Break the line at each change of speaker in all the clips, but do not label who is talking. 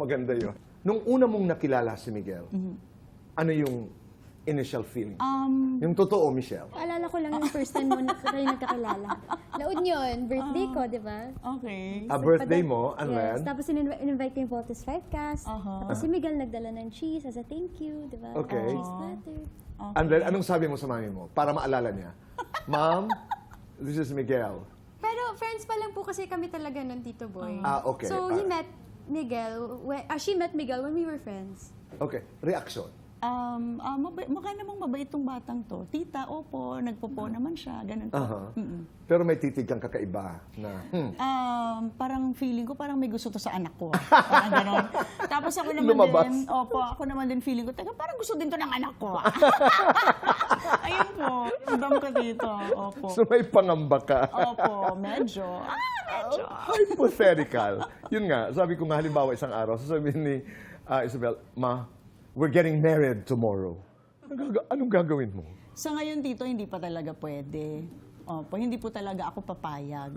Maganda yun. Nung una mong nakilala si Miguel, ano yung initial feeling? Yung totoo, Michelle.
Alala ko lang yung first time mo na kayo nagkakilala. Laod yun, birthday ko, di ba?
Okay.
Birthday mo, and
Yes,
then?
tapos in-invite ko yung Voltes Livecast. Tapos si Miguel nagdala ng cheese as a thank you, di ba?
Okay.
Cheese platter.
And then, anong sabi mo sa mami mo? Para maalala niya. Ma'am, this is Miguel.
Pero friends pa lang po kasi kami talaga ng Tito Boy.
Okay.
So he met Miguel, she met Miguel when we were friends.
Okay. Reaction.
Mukha namang mabait tong batang to. Tita, opo, nagpopo naman siya, ganun po.
Pero may titig kang kakaiba na,
Parang feeling ko, parang may gusto to sa anak ko. Parang ganon. Tapos ako naman
Lumabas.
din, ako naman din feeling ko, teka, parang gusto din to ng anak ko. Ayun po, yung dam ko dito. Opo.
so may pangamba ka.
Opo, medyo. Medyo.
Hypothetical. Yun nga, sabi ko nga halimbawa isang araw, sasabihin ni Isabel, Ma, we're getting married tomorrow. Anong gagawin mo?
Sa ngayon dito, hindi pa talaga pwede. Opo, hindi po talaga ako papayag.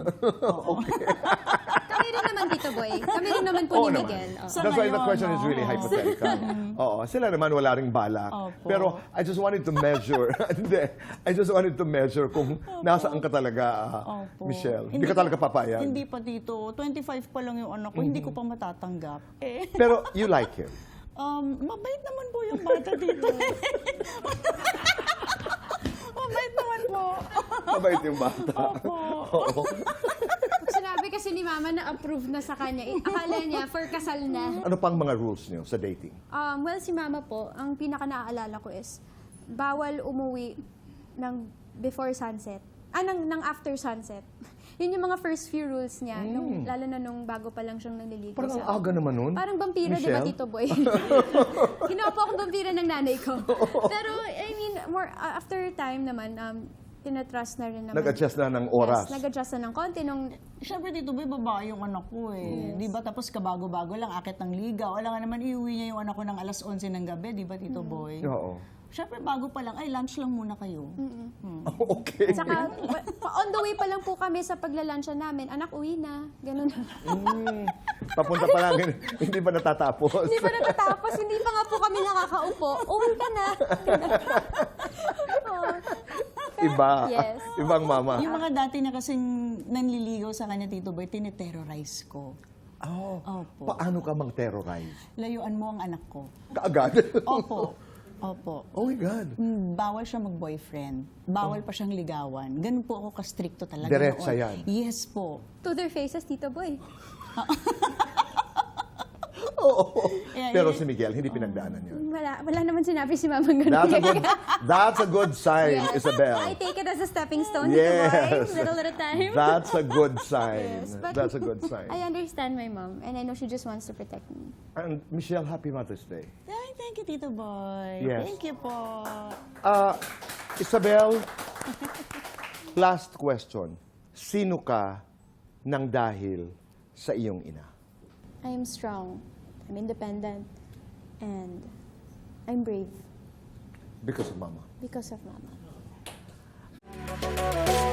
Kami rin naman, Tito Boy. Kami rin naman po ni Miguel. Oo.
Sa
That's why the
ngayon,
question is really hypothetical. Oo, sila naman wala ring balak.
Opo.
Pero I just wanted to measure. Hindi. I just wanted to measure kung nasaan ka talaga,
Opo.
Michelle. Hindi ka talaga papayag.
Hindi pa dito. 25 pa lang yung anak ko, hindi ko pa matatanggap.
Pero you like him.
Mabait naman po yung bata dito. Mabait naman po.
Mabait yung bata.
Opo.
Oo.
Sinabi kasi ni Mama na approve na sa kanya. Akala niya, for kasal na.
Ano pang mga rules niyo sa dating?
Well, si Mama po, ang pinaka naaalala ko is, bawal umuwi ng before sunset. Ng after sunset. Yun yung mga first few rules niya, lalo na nung bago pa lang siyang nanliligaw
Parang
sa
ang aga naman nun.
Parang vampira, di ba,
Michelle?
Tito Boy? Ginawa po akong vampira ng nanay ko. Pero, I mean, more after time naman, tinatrust na rin naman.
Nag-adjust na ng oras.
Yes, nag-adjust na ng konti.
Siyempre dito ba, babae yung anak ko eh. Di ba? Tapos kabago-bago lang, akit ng ligaw. Alam nga naman, iuwi niya yung anak ko ng alas 11 ng gabi, di ba, Tito Boy?
Oo.
Siyempre, bago pa lang, ay, lunch lang muna kayo.
Okay.
Saka, on the way pa lang po kami sa paglalansya namin, anak, uwi na. Ganun.
Papunta pa lang, hindi pa natatapos.
Hindi pa natatapos, hindi pa nga po kami nakakaupo. Uwi ka na. Oo.
Iba.
Yes.
Ibang mama.
Yung mga dati na kasing nanliligaw sa kanya, Tito Boy, tineterrorize ko.
Oh,
Opo.
paano ka mang-terrorize?
Layuan mo ang anak ko.
Kaagad?
Opo. Opo.
Oh my God.
Bawal siya mag-boyfriend. Bawal pa siyang ligawan. Ganun po ako ka-stricto talaga.
Diretsa
noon.
yan.
Yes po.
To their faces, Tito Boy.
Oo.
Yeah,
Pero
yeah.
si Miguel, hindi pinagdaanan yun.
Wala naman sinabi si Mama ganun.
That's a good sign,
Yes.
Isabel.
I take it as a stepping stone,
Yes.
Tito Boy. Little at a time.
That's a good sign.
Yes, but
That's a good sign.
I understand my mom, and I know she just wants to protect me.
And Michelle, happy Mother's Day.
Ay, thank you, Tito Boy.
Yes.
Thank you po.
Isabel, last question. Sino ka nang dahil sa iyong ina?
I am strong, I'm independent, and I'm brave
Because of Mama.
because of Mama.